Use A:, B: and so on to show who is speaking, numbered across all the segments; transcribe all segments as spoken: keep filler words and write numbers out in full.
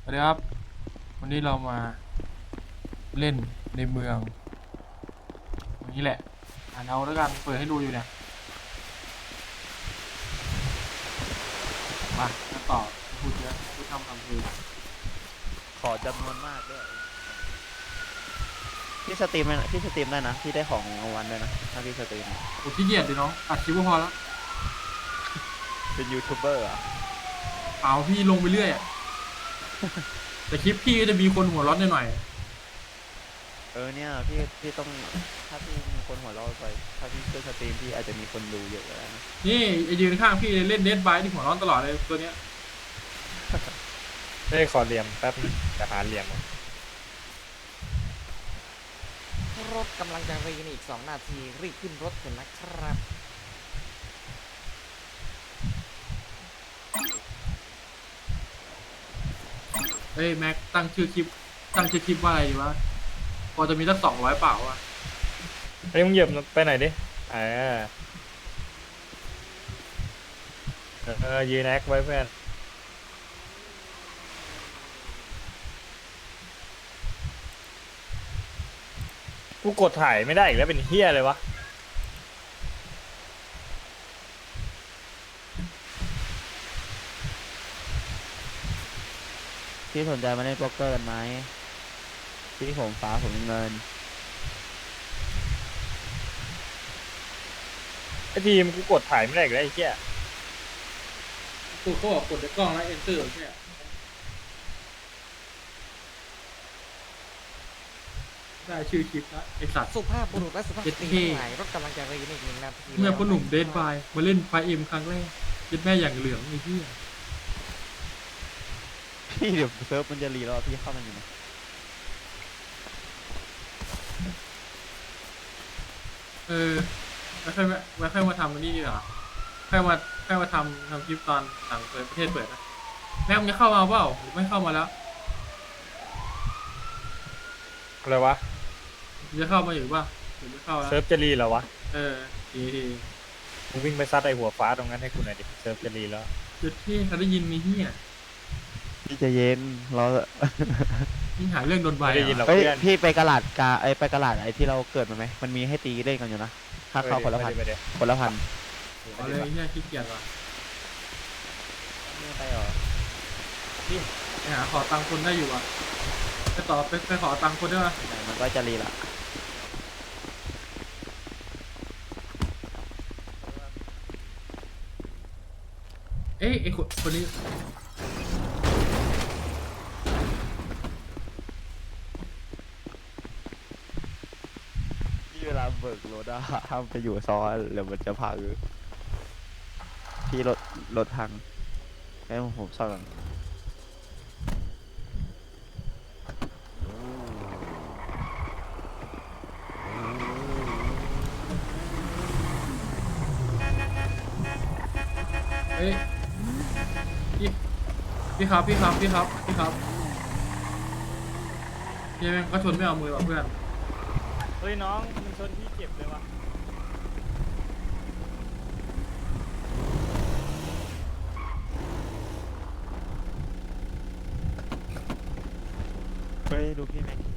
A: สวัสดีครับวันนี้เรามาเล่นในเมืองอย่างนี้แหละอ่านเอาแล้วกันเปิดให้ดูอยู่เนี่ยมาจะต่อพูดเยอะพูดทำทำเพลง
B: ขอจำนวนมากด้วยพี่สตรีมได้นะพี่สตรีมได้นะพี่ได้ของรางวัลด้วยนะถ้าพี่สตรีมอะ
A: โอ้ขี้เกียจดิน้องอัดคลิปก็พอแล้ว
B: เป็นยูทูบเบอร์อ่ะ
A: เอาพี่ลงไปเรื่อยอะแต่คลิปพี่ก็จะมีคนหัวร้อนหน่อย
B: เออเนี่ยพี่พี่ต้องถ้าพี่มีคนหัวเราะไปถ้าพี่ช่วยสตรีมพี่อาจจะมีคนดูเยอะก็ได้นะ
A: ๆนี่ไอ้ยืนข้างพี่เล่นเดดบายที่หัวร้อนตลอดเลยตัวเนี้ย
C: เอ้ยขอเหลี่ยมแป๊บนึงจะหาเหลี่ยมก่อน
D: รถกำลังจะรีในอีกสองนาทีรีบขึ้นรถเถอะนะครับ
A: เฮ้ยแม็กตั้งชื่อคลิปตั้งชื่อคลิปว่าอะไรดีวะพอจะมีสักสองร้อยเปล่าวะ
C: เฮ้ยมึงเหยียบไปไหนดิเออเออยืนแอคไว้เพื่อนกูกดถ่ายไม่ได้อีกแล้วเป็นเฮียเลยวะ
B: พี่สนใจมาเล่นโป๊กเกอร์กันไหมพี่ผมฟ้าผมเงิน
C: ไอทีมกูกดถ่ายไม่ได้อีกแล้วไอ้เฮีย
A: กูเขาบอกกดในกล้องแล้ว enter แค่ได้ชื่อคลิปละไอสัตว์
D: สุภาพบุรุษและสุภาพสตรี
A: เท่
D: ทั้งหลายรถกำลังจะรีในอีกหนึ่งนาที
A: เมื่อพ่อหนุ่มเด
D: แล้ว
A: ทบายมาเล่นไฟเอ็มครั้งแรกยึดแม่อย่างเหลืองไอ้ที่
B: พี่เดี๋ยวเซิร์ฟมันจะรีแล้วอะพี่เข้ามันอยู่นะ
A: เออไม่ค่อยมาไม่ค่อยมาทำอันนี้ดีกว่าค่อยมาค่อยมาทำทำคลิปตอนต่างประเทศเปิดนะแม่งจะเข้ามาเปล่าหรือไม่เข้ามาแล้ว
C: อะไรวะ
A: จะเข้ามาอยู่ป่ะหรือไม่เข้าแล้ว
C: เซิร์ฟจะรีเหรอวะ
A: เออดีดี
C: มึงวิ่งไปซัดไอหัวฟ้าตรงนั้นให้กูหน่อยดิเซิร์ฟจะรีแล้ว
A: จุดที่เขาได้ยินมีที่อ่ะ
B: พี่ใจะเย็นเรา
A: นี่หาเรื่องโดนใบ
C: ไม่ได้ยินหร
A: อ่ะ
C: อก
B: เฮ้ย
C: เพื่อน
B: พี่ไปกระลาดกาไอยไปกระลาดไอที่เราเกิดมาไหมมันมีให้ตีเล่นกันอยู่นะค่าเข้าคนละพัน
C: ไปดิ
B: คนละพัน
A: เอาเลยเนี่ยขี้เกียจว่ะ
B: ไม่ไปหรอ
A: ไปหาขอตังค์คนได้อยู่อ่ะไปต่อไปไปขอตังค์คนได้ป่ะ
B: ไหนมันก็จะรีละ
A: เอ้ยไอ้คนคนนี้
B: ที่เวลาเบิกรถอะห้ามไปอยู่ซ้อนเดี๋ยวมันจะพังพี่รถรถพังให้ผมผมซ่อนก่อน
A: เอ้ยพี่พี่ครับพี่ครับพี่ครับพี่ครับพี่แม่งก็ชนไม่เอามือว่ะเพื่อน
C: เฮ้ยน้องมึงชนพี่เจ็บเลยวะ
B: เฮ้ยดูพี่แม็ก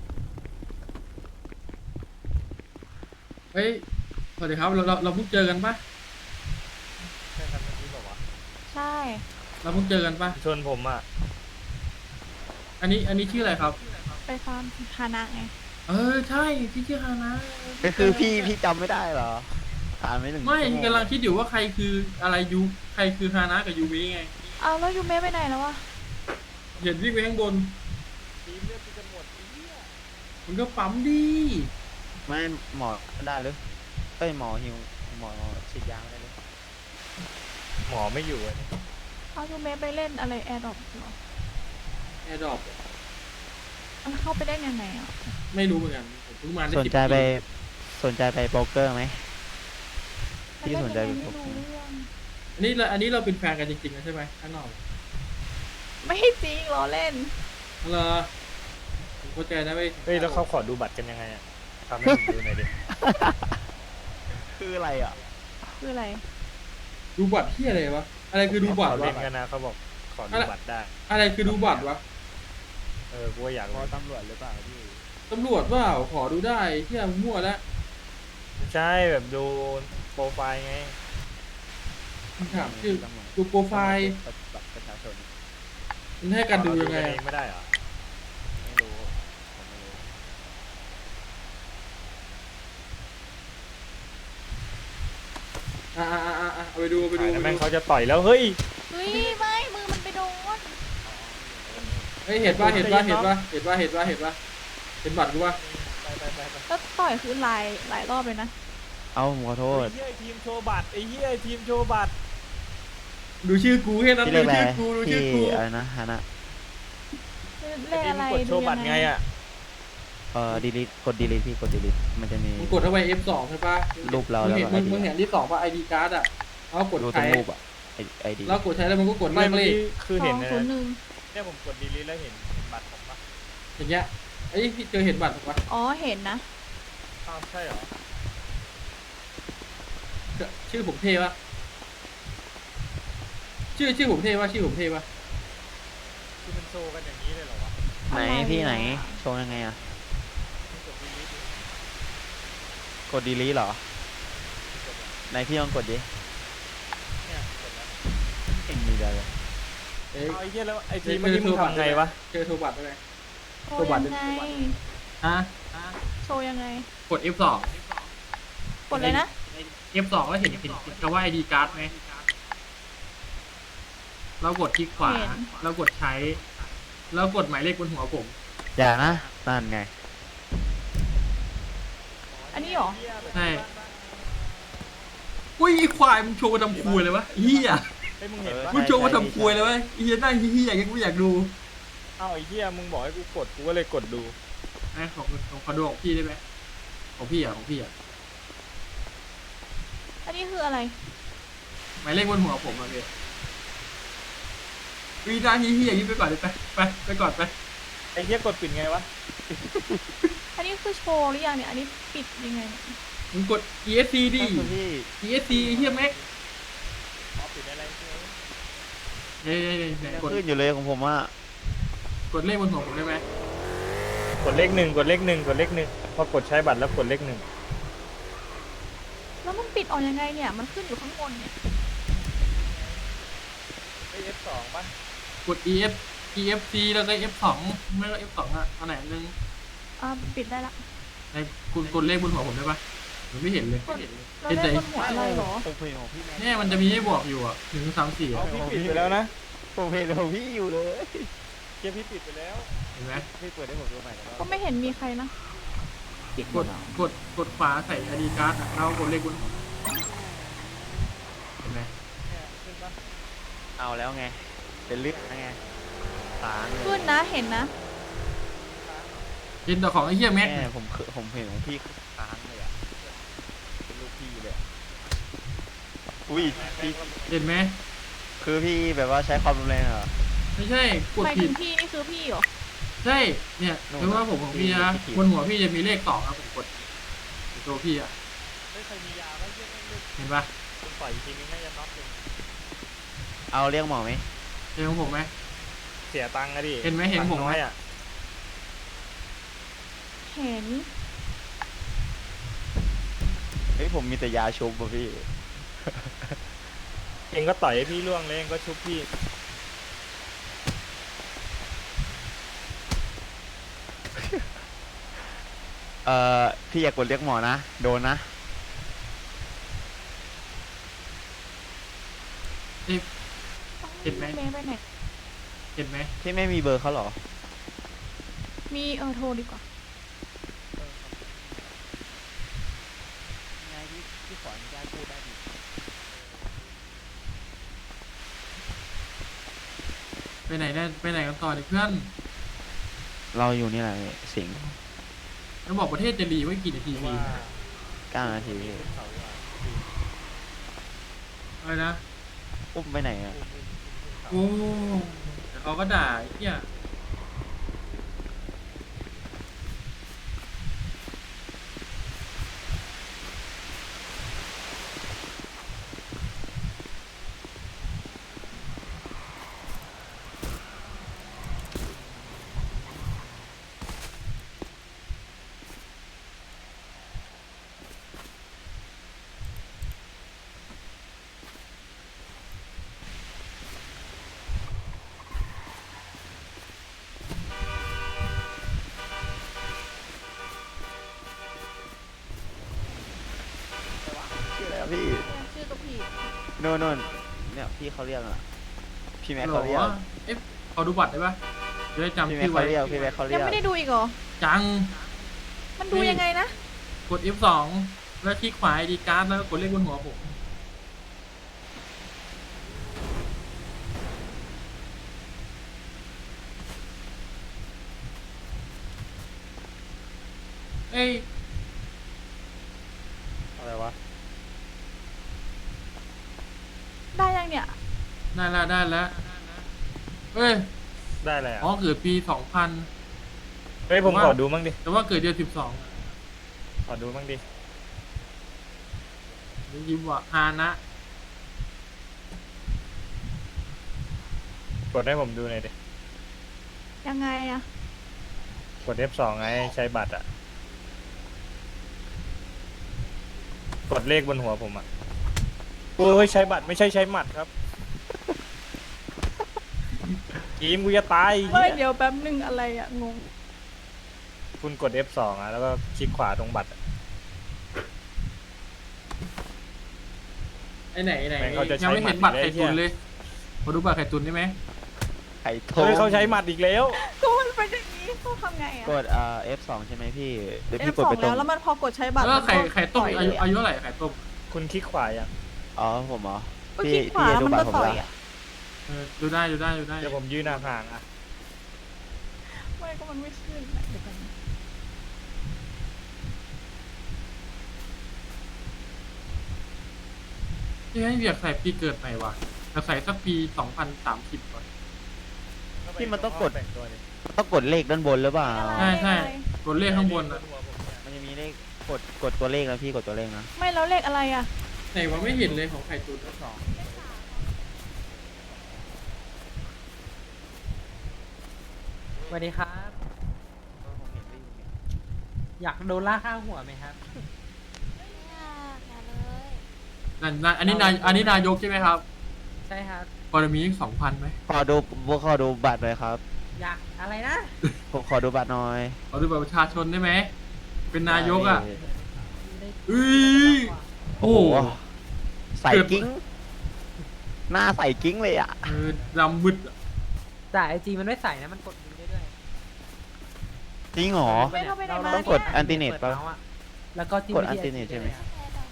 A: เฮ้ยสวัสดีครับเราเราเราเพิ่งเจอกันปะ
C: ใช่ครับเมื่อกี้บอกว่า
E: ใช่
A: เราเพิ่งเจอกันปะ
C: ชนผมอ่ะ
A: อันนี้อันนี้ชื่ออะไรครับ
E: ไปฟาร์มฮานะไง
A: เออใช่พี่ชื่อฮานะ
B: ก็คือพี่พี่จำไม่ได้เหรอผ่านไม่หนึ่ง
A: ไม่
B: ชั่วโง
A: กำลังคิดอยู่ว่าใครคืออะไรยูใครคือฮานะกับยูมิไง
E: เอาแล้วยูเมะไปไหนแล้ววะ
A: เห็นวิ่งไปข้างบน
C: ทีมเลือดกูจะหมดไอ้เหี้ย
A: มันก็ปั๊มดี
B: ไม่หมอได้หรือเอ้ยหมอฮิวหมอฉีดยาไม่ได้เลย
C: หมอไม่อยู่อ่ะเนี่ย
E: เอายูเมะไปเล่นอะไรแอร์ดรอปเหรอ
A: แอร์ดรอป
E: มันเข้าไปได้ยังไงอ่ะ
A: ไม่รู้เหมือนกันผมเพิ่งมาได้
B: สน
A: สิบ
B: ใจไป
A: ปี
B: สนใจไปโป๊กเกอร์ไหม
E: มัน
B: พี่
E: เล่น
B: สนใจ
E: ยังไง
B: เป็น
E: ไม่
B: ผม
E: รู้เรื่อง
A: อันนี้เราอันนี้เราเป็นแฟนกันจริงๆนะใช่ไหมข้างนอก
E: ไม่จริงล้อเล่น
A: เหรอผมเข้าใจนะเว้ย
C: เฮ้ยแล้วเขาขอดูบัตรกันยังไงอ่ะทำให้ผมดูหน่อยดิ
B: คืออะไรอ่ะ
E: คืออะไร
A: ดูบัตรที่อะไรวะอะไรคือดูบัตร
C: เขา
A: วะ
C: เล่นกันนะเขาบอกขอดูบัตรได้
A: อะไรคือดูบัตรวะ
C: เออกูก็อยาก
B: เพ
C: รู้
B: ราะตำรวจหรือเปล่าพี่
A: ตำรวจเปล่าขอดูได้เที่ยมั่วแล้ว
C: ไม่ใช่แบบดูโปรไฟล์ไง
A: มึงถามชื่อ
B: ตำรวจ
A: ดูโปรไฟล์
B: บัตรประชาชน
A: มันให้กันดูยังไง
C: เราเอ
A: อะ
C: ไม่ได้เหรอ
B: ไม่รู้ผมไม่รู้
A: อ่าอ่าอ่าอ่าเอาไปดูเอาไปดู
C: ถ่าย
A: เอา
C: แล้ว
A: ไป
C: แม่ง
A: ดู
C: เขาจะต่อยแล้วเฮ้ย
E: เฮ้ยไม่มือมันไปโดน
A: เฮ้ยเห็นป่ะเห็นป่ะเห็นป่ะเห็นป่ะเห็นป่ะเห็นป่ะเห็นบัตรกูป่ะ
C: ไปไปไปไป
E: แล้วต่อยคือหลายหลายรอบเลยนะ
B: เอาผมขอโทษ
C: ไอ้เหี้ยทีมโชว์บัตรไอ้เหี้ยทีมโชว์บัตร
A: ดูชื่อกูแค่นั้น
B: พี่
A: ดู
B: เรียกอะไร
A: ชื่อกูดูชื่
B: พี่
A: อกู
B: อะไรนะฮานะ
E: เลขอะไร
C: กดโช
E: ดู
C: ว์บัตร
E: ยัง
C: ไง
E: ไง
C: อ่ะ
B: เอ่อดีลิทกดดีลิทพี่กดดีลิทมันจะมี
A: มึงกดเข้าไป เอฟ สอง ใช่ป่ะ
B: รูปเรา
A: มึงเห็น
B: แล้วก็
A: มึง
B: ไอดี
A: มึงเห็นที่สองป่ะ ไอ ดี การ์ดอ่ะเอากด
B: ดูตร
A: ใช้
B: งรูปอ่ะไอดี
A: แล้วกดใช้แล้วมันก็กด
C: ไม่
A: เลือก
C: เมื่อ
A: เลข
C: กี้คือ
E: ส
C: เห็
E: อน ง
C: นะ
E: ศูนย์หนึ่ง
C: เนี่ยผมกดดีลิทแล้วเห็นเห็นบัตรผมปะ
A: อย่างเงี้ยไอ้ยพี่เจอเห็นบัตรถูกป่ะ
E: อ๋อเห็นนะ
C: อ้าวใช่เหรอ
A: ชื่อผมเท่ป่ะชื่อชื่อผมเท่ป่ะชื่อผมเท่ป่ะ
C: คือมันโชว์กันอย่างนี้เลยเหรอวะ
B: ไหน
E: อะไร
B: พี่ไหน
E: อ่ะ
B: โชว์ยังไงอ่ะ
C: มึงกดดีลิทดิ
B: กดดีลิทเหรอไหนพี่ลองกดดิ
C: เนี่ยกดแล้ว
B: เก่งดีเลย
A: เอ้ย
C: เอาไอ้เหี้ยแล้วไอ้ที
A: เอ้ย
C: มเมื่อกี้มึงทำไงวะ
A: เจอโทรบัตรได้ไหม
E: โชว์ยังไง
A: ฮะ
E: โชว์ยังไง
A: กด เอฟ สอง
E: กดเลยนะ
A: เอฟ สอง แล้วเห็นเห็นเห็นคำว่า ไอ ดี การ์ดไหมเรากดคลิกขวา
E: เห็น
A: เรากดใช้ แล้วกดหมายเลขบนหัวผม
B: อย่านะนั่นไง
E: อันนี้เหรอ
A: ใช่ อุ้ยไอ้ควายมึงโชว์มาทำครัวเลยวะเฮีย
C: เฮ้ยมึงเห็นปะ
A: มึงโชว์มาทำครัวเลยวะเฮียนั่งเฮียอย่างเงี้ยกูอยากดู
C: เอ้าไอ้เหี้ยมึงบอกให้กูกดกูก็เลยกดดู
A: ไอ้ของของขอดูของพี่ได้ไหมของพี่อ่ะของพี่อ่ะ
E: อันนี้คืออะไร
A: หมายเลขบนหัวผมอ่ะพี่วีนาเฮียอย่างนี้ไปก่อนเลยไปไปไปก่อนไป
C: ไอ้เหี้ยกดปิดไงวะ
E: อันนี้คือโชว์หรือยังเนี่ย อันนี้ปิดยังไงเนี่ย
A: มึงกด อี เอส ซี ดิ
B: ก็คือพี่
A: อี เอส ซี เฮียแม็ก
C: อ๋อปิดอะไรใช่ไหม
A: เฮ้ยเฮ้ยเฮ้ย
B: ยัง
A: กด
B: ขึ้นอยู่เลยของผมอ่ะ
A: กดเลขบนหัวผมได้ไหม
C: กดเลขหนึ่งกดเลขหนึ่งกดเลขหนึ่งพอกดใช้บัตรแล้วกดเลขหนึ่ง
E: แล้วมันปิดออกยังไงเนี่ย มันขึ้นอยู่ข้างบนเนี่ย
C: ไอ้เอฟสองป่ะ
A: กด อี เอฟ อี เอฟ ซี แล้วก็ เอฟ สอง ไม่ก็ เอฟ สอง อ่ะเอาไหนอันนึง
E: อ่าปิดได้ละ
A: ไอ้คุณกดเลขบนหัวผมได้ปะผมไม่เห็นเลย
E: กดเราได้บนหัวอะไรเหรอ
B: ผมเห็นของพี่แม่
A: เนี่ยมันจะมีให้บอกอยู่อ่ะหนึ่งสามสี่
C: เอาพี่ปิดไปแล้วนะ
B: ผมเห็นของพี่อยู่เลย
C: เกียร์พี่ปิดไปแล้ว
A: เห็นไหม
B: พี่เปิดให้ผมดูใหม่แล้ว
E: ก็ไม่เห็นมีใครนะ
A: กดกดกดขวาใส่ ไอ ดี การ์ดอ่ะแล้วกดเลขบนหัวเห็นไหม
C: เนี่ยขึ้นป่ะ
B: เอาแล้วไง เป็นลึกไงตางเลย
E: ขึ้นนะ เห็นนะ
A: เห็นแต่ของไอ้เหี้ยแม็ก
B: แม่ผมคือผมเห็นของพี่ค้างเลยอ่ะ เป็นลูกพี่เลยอะอุ้ยพี่
A: เห็นไหม
B: คือพี่แบบว่าใช้ความรุนแรงเหรอ
A: ไม่ใช่กด
E: หมาย
A: ผิ
E: ถึ
A: ด
E: งพี่นี่คือพี่เหรอ
A: ใช่เนี่ย
B: โน่น
A: คือว่าผมของพี่นะ
B: พี่ผิด
A: บนหัวพี่จะมีเลขสองครับผมกดตัวพี่อ่ะ
C: ไม่เคยมียาป่ะเหี้ยแม่งเลย
A: เห็นปะ
C: คุณปล่อยอีกทีนึงน่าจะน็อกเลย
B: เอาเรียกหมอไหม
A: เห็นของผมไหม
C: เสียตังค์อะดิ
A: เห็นไหมเห็นผมไหม
C: ตังค์น้อยอะ
E: เห็น
B: เฮ้ยผมมีแต่ยาชุบป่ะพี่
C: เองก็ต่อยให้พี่ล่วงเลยเองก็ชุบพี่
B: เอ่อพี่อยากกดเรียกหมอนะ โดนนะ
A: เอ๊ะ เห็นไหม
E: เมย์ไปไหน
A: เห็นไหม
B: พี่ไม่มีเบอร์เขาเหรอ
E: มีเออโทรดีกว่า
B: ไงพี่พี่ขออนุญาตพูดได้ดิ
A: ไปไหนได้ไปไหนกันต่อดิเพื่อน
B: เราอยู่นี่แหละสิงห์
A: แล้วบอกประเทศจะรีไว้กี่นาที
C: ว่า
A: ดี
B: เก้านาทีพี่
C: ขึ้นเขาดีกว่า
A: อะไรนะ
B: อุ้มไปไหนอ่ะ
C: อุ้มอุ้มขึ้นเขา
A: โอ้แต่เขาก็ด่าไอ้เหี้ย
B: โน่นโน่นเนี่ยพี่เขาเรียกอ่ะพี่แม็ก
A: หร
B: เขา
A: อ
B: เรียก
A: เอ๊ะขอดูบัตรได้ปะจะได้
B: พี่
A: จำ
B: แม็ก
A: ชื่อ
B: เขา
A: ไว้
B: เรียกพี่แม็กเขาเรี
E: ยั
B: ย
E: ง
B: ก
E: ไม่ได้ดูอีกเหรอ
A: จัง
E: มันดูยังไงนะ
A: กด เอฟ สอง แล้วคลิกขวา ไอ ดี การ์ดแล้วก็กดเลขบนหัวผม เอ้ย
B: อะไรวะ
E: ได้ยังเนี่ย
A: ได้แล้วได้แล้วเอ้ย
C: ได้เลย
A: อ๋อ
C: อ่ะ
A: เกิดปีสองพัน
C: เฮ้ยผมขอดูมั่งดิ
A: แต่ว่าเกิดเดือนสิบสอง
C: ขอดูมั่งดิ
A: ยิ้มว่าฮานะ
C: กดให้ผมดูหน่อยดิ
E: ยังไงอะ
C: กด เอฟ สอง ไงใช้บัตรอ่ะกดเลขบนหัวผมอ่ะโอ้ยใช้บัตรไม่ใช่ใช้หมัดครับกีมกูจะตาย
E: เฮ้ย
C: เหี้ย
E: เดี๋ยวแป๊บนึงอะไรอะงง
C: คุณกด เอฟ สอง อ่ะแล้วก็คลิกขวาตรงบัตรอะ
A: ไอ้ไหนไอ้ไหน
C: แม่งเขาจะใช้
A: ยังไม่เห็นบัตร
C: หมัด
A: ไข่
C: อยู่
A: ตุน
C: เลย
A: เลยขอดูบัตรไข่ตุนได้ไหม
B: ไข่โท
C: เฮ้ยเขาใช้หมัดอีกแล้ว
E: ก็มันเป็นอย่างนี้เขาทำไงอะ
B: กดอ่า เอฟ สอง ใช่ไหมพี่เดี๋ยว
E: เอ
B: พี่
E: ฟ
B: กด
E: สอ
B: ไป
E: ง
B: ตร
E: แล้
B: ง
E: วแล้วมันพอกดใช้บัตร
A: แล้วก็ไข่
E: มันก็
A: ไข่ต้ม
E: ปล่
A: อายุ
E: เลยะ
A: อายุเท่าไหร่ไข่ต้ม
C: คุณคลิกขวายัง
B: อ๋อผมเหรอ
E: ก็ค
B: พี่
E: ลิกขวา
B: พี่
E: แล้ว
B: ดู
E: มัน
B: บัต
E: ก็
B: รผม
E: ต่อ
B: ละ
E: ยอะ
A: เออดูได้ดูได้ดูได้
C: เดี๋ยวผมยืนห่างๆอ่ะ
E: ไม่ก็มันไม่ขึ้นอะเดี๋ยวกัน
A: ที่ให้อยากใส่ปีเกิดใหม่ว่ะอยากใส่สักปีสองพันสามสิบก่อน
B: พี่มันต้องกด
C: แต่งตัวดิ
B: ต้องกดเลขด้านบนหรือเปล่า
A: ใช่ใช่กดเลขข้างบนอ่ะ
B: มันจะมีเลขกดกดตัวเลขนะพี่กดตัวเลขนะ
E: ไม่แล้วเลขอะไรอะ
A: ไหนวะไม่เห็นเลยของไข่ตุนทั้งสอง
F: สวัสดีครับ อยากโดนล่ากข้างหัวไหมครับ
A: นั่นนั่นอันนี้นายอันนี้นายกใช่ไหมครับ
F: ใช่ครับ
A: พอจะมีสองพันไหม
B: ขอดูขอดูบัตรหน่อยครับ
F: อยากอะไรนะ
B: ผมขอดูบัตรหน่อย
A: ขอดูบัตรประชาชนได้ไหมเป็นนายกอ่ะ
F: ได้
A: อุ้ย
B: โอ้
A: โอ้
B: โหใส่กิ้ง หน้าใส่กิ้งเลยอ่ะ
A: เออดำมืดอะ
F: แต่ไอจีมันไม่ใส่นะ มันกดมือได้ด้วย
B: จริงเหรอ
E: ไม่เข้าไปไหนมา
B: ต้องกด
E: เนี่ย
B: อันติเน็ต
F: ปิ
B: ปะ
F: มาส์อะแล้วก็จิ้ม
B: กด
F: ไปที่
B: อันติเน็ตใช่ไหม
F: ใช่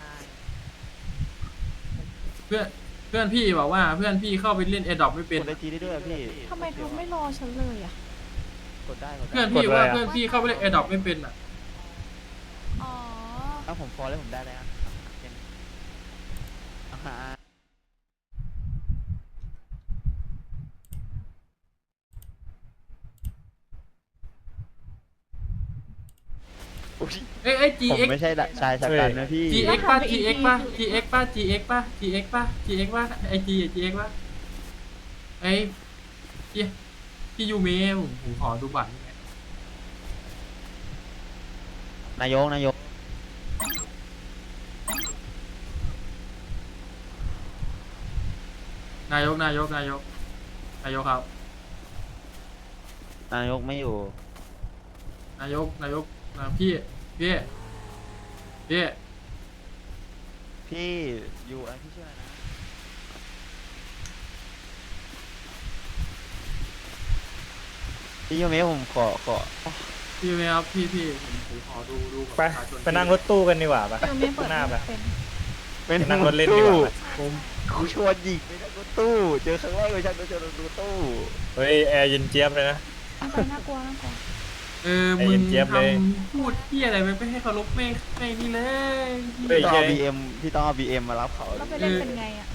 A: เพื่อนเพื่อนพี่บอกว่าเพื่อนพี่เข้าไปเล่นแอร์ดรอปไม่
B: ก
A: เป็น
B: ดไอจีได้ด้วยอะพี่
E: ทำไมเขาไม่รอฉันเลยอะ
B: กดได้กด
A: เพื่อน
B: ได้
A: พี่ว่าเพื่อนพี่เข้าไปเล่นแอร์ดรอปไม่เป็นอ่ะ
E: อ๋อ
B: ถ้าผมฟอลแล้วผมได้แล้วเป็นอ่า อุ๊ย
A: เอ้ยเอ้ย
B: ผม
A: GX
B: ไม่ใช่ชายชะกันนะพี่
A: GX ป่ะ GX ป่ะ GX ป่ะ GX ป่ะ GX ป่ะ GX ป่ะไอจี GX ป่ะไอ้พี่พี่ยูเมะผมผมขอดูบัตรหน่อย
B: นายกนายก
A: นายกนายกนายกนายกครับ
B: นายกไม่อยู่
A: นายกนายกนะพี่พี่พี่
B: พี่อยู่อะไรพี่ชื่ออะไรนะพี่โยเมะผมขอขอ
A: พี่ยูเมะครับพี่พี่ผมผมขอดูดูบัตร
C: ไป
A: ประชาชน
C: ไปนั่งรถตู้กันดีกว่าปะ
E: เดี๋ยวไม่เปิด
C: หน้าไป
E: เป็น
B: เป็น
C: นั่งรถเล่นดีกว่า
B: ผมกูชวนหยิกไปนั่งรถตู้ เจอครั้งแรกเลยฉันโดนชวนรถตู้
C: เฮ้ยแอร์เย็นเจี๊ยบเลยนะ
E: ไปน่ากลัวน่ากลัว
A: เออ
C: ไอ้
A: มึง
C: เจี๊ยบ
A: ท
C: เลย
A: ำพูดที่อะไรไปไม่ให้เคารพไม่ไม่นี่เลย
C: เฮ้ย
B: พี่ต้องเอาบีเอ็มพี่ต้องเอาบีเอ็มมารับเขา
E: แล้วไปเล่นเป็นไงอะ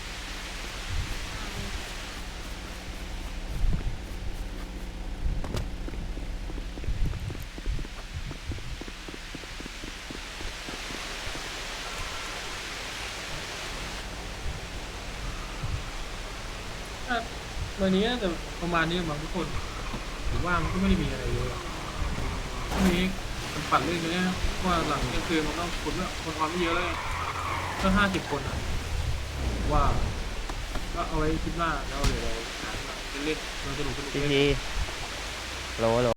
A: วันนี้แต่ประมาณนี้บางทุกคนผมว่ามันก็ไม่ได้มีอะไรเลยพรุ่งนี้มันปัดเรื่องนี้นะว่าหลังเที่ยงคืนมันต้องคนละคนออนไม่เยอะแล้วก็ห้าสิบคนอ่ะว่าก็เอาไว้คิดว่าแล้วเดี๋ยวเราหาเล่นๆเราสนุกสนุก
B: พี่
A: เล่น
B: พีโหลโหล